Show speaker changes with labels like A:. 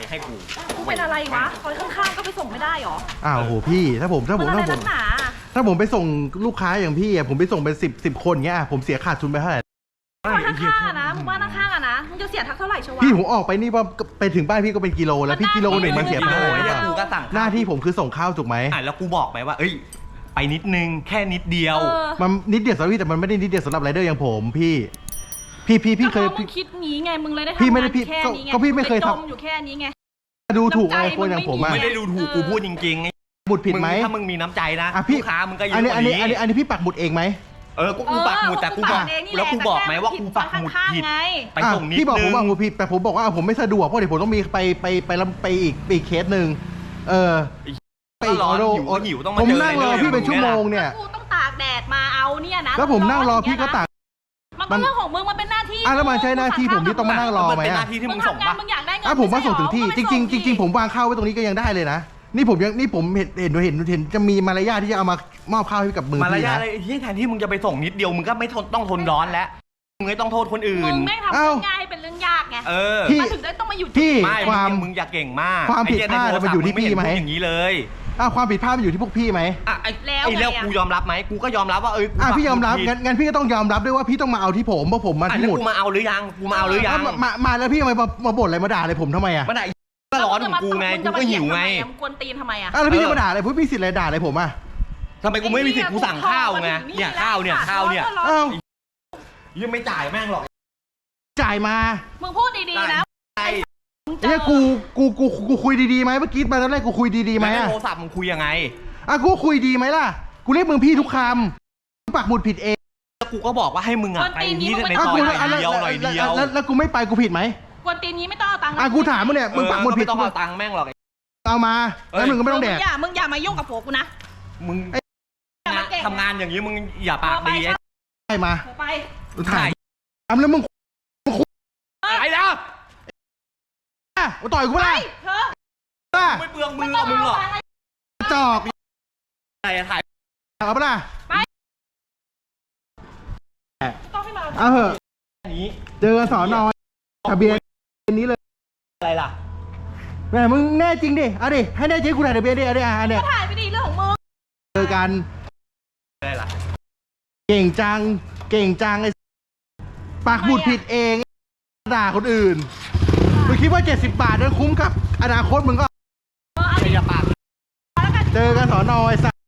A: ให้กู
B: เป็นอะไรวะคอยข้างๆก็ไปส่งไม่ได้หรอ
C: อ้าวโหพี่ถ้าผมไปส่งลูกค้าอย่างพี่ผมไปส่งเป็นสิบคนเงี้ยผมเสียขาดทุนไปเท่าไหร่
B: ข้างๆนะมึงบ้านข้างๆนะมึงจะเสียทักเท่าไหร่ชัวร์
C: พี่ผมออกไปนี่ว่าไปถึงบ้านพี่ก็เป็นกิโลแล้วพี่กิโลหนึ่งมันเสียเท่าไหร่
A: กูก็สั่ง
C: หน้าที่ผมคือส่งข้าวถูกไหม
A: แล้วกูบอกไปว่าเอ้ยไปนิดนึงแค่นิดเดียว
C: มันนิดเดียวสำหรับพี่แต่มันไม่ได้นิดเดียวสำหรับไรเดอร์อย่างผมพี่เคย
B: มึงคิดงี้ไงมึงเลยได้ทำ
C: พี่ไม่ได้พี่
B: แค่นี้ไง
C: ก็พี่ไม่เคย
B: จมอยู่แค่นี้ไง
C: ดูถูกอะไรคนอย่างผม
A: ไม่ได้ดูถูกกูพูดจริง
C: ๆบุดผิดไหม
A: ถ้ามึงมีน้ำใจนะลูกค้ามึงก็เยอะ
C: กว่านี้อันนี้พี่ปักหมุดเองไหม
A: กูปักหมุดแต่กูบอกแล้วกูบอกไหมว่ากูปักหมุดผิดไปส่งนิดนึง
C: พี่บอกผมปักหมุดผิดแต่ผมบอกว่าผมไม่สะดวกเพราะเดี๋ยวผมต้องมีไปอีกเคสหนึ่ง
A: ไปอีกหิวต้องมา
C: ผมนั่งรอพี่เป็นชั่วโมงเนี่ย
B: กูต้องตากแดดมาเอาเนี่ยนะ
C: แล้วผมนั่งรอพี่ก็ตาก
B: มันเรื่องของมึงมันเป็นหน้าที่
C: แล้วมันใช่หน้าที่ผมที่ต้องมานั่งรอไหม
A: เป็นหน้าที่ที่มึงส่งปะ
B: มึงอยากได้เงิน
C: ผมมาส่งถึงที่จริงผมวางข้าวไว้ตรงนี้ก็ยังได้เลยนะนี่ผมเห็นจะมีมารยาทที่จะเอามามอบข้าวให้กับมือ
A: มารยาทอะไรที่แทนที่มึงจะไปส่งนิดเดียวมึงก็ไม่ต้องทนร้อนแล้วมึงไม่ต้องโทษคนอื่น
B: มึงไม่ทำเรื่องง่ายเป็นเรื่องยากไง
C: พี่
B: ถึงได้ต้องมาอยู่
C: ที่
A: ความมึงอยากเก่งมาก
C: ความผิดพลาดมันอยู่ที่พี่ไหม
A: อย่างนี้เลย
C: ความผิดพลาดมันอยู่ที่พวกพี่ไหม
A: แล้วกูยอมรับไหมกูก็ยอมรับว่า
C: พี่ยอมรับงั้นพี่ก็ต้องยอมรับด้วยว่าพี่ต้องมาเอาที่ผมเพราะผมมาที่หมด
A: กูมาเอาหรือยัง
C: มาแล้วพี่มาบ่นอะไรมาด่าอะไรผมทำไม
A: มาด่าก็ร้อนของกูไงกูก็หิวไง
B: มึงกวนตีนทำไม
C: แล้วพี่จะมาด่าอะไรพี่สิทธิ์อะไรด่าอะไรผม
A: ทำไมกูไม่มีสิทธิ์กูสั่งข้าวไงเนี่ยข้าวเนี่ยยังไม่จ่ายแม่งหรอก
C: จ่ายมา
B: มึงพูดดีๆนะ
C: เนี่ยกูคุยดีๆไหมเมื่อกี้มาตอนแรกกูคุยดีๆไหม
A: โทรศัพท์มึงคุยยังไง
C: กูคุยดีไหมล่ะกูเรียกมึงพี่ทุกคำปักหมุดผิดเอง
A: แล้วกูก็บอกว่าให้มึงไปที่ในซอยหน่อยเดียว
C: แล้วกูไม่ไปกูผิดไหม
B: กวนตีนนี้ไม่ต้องเอาตังค์
C: กูถามมึงเนี่ยมึงปักหมุดผิด
A: ต้องเอาตังค์แม่งหรอก
C: เอามาแล้วมึงก็ไม่ต้องแดก
B: มึงอย่ามายุ่งกับผัวกูนะ
A: มึงทำงานอย่างนี้มึงอย่าปากดี
C: ไปมา
B: ไป
C: ถ่ายทำแล้วมึง
A: ไอ้แล้ว
C: ต่อยกูไม่
A: ไม่เปลืองมือมึงหรอก
C: จอก
A: อะไรถ่าย
C: เอาปะล่ะ
B: ไปต้องให้มา
C: เหอะเจอสอนอยทะเบียนนี้เลย
A: อะไรล่ะ
C: แม่มึงแน่จริงดิเอาดิให้แน่จริงกูถ่ายทะเบียนดิเนี่ย
B: ถ่ายไปดิเรื่องของมึง
C: เจอกัน
A: อะไรล่ะ
C: เก่งจังไอ้ปากหมุดผิดเองด่าคนอื่นมึงคิดว่า70 บาทนั้นคุ้มกับอนาคตมึงก็
A: อย่าปาก
C: เจอกันสอนอย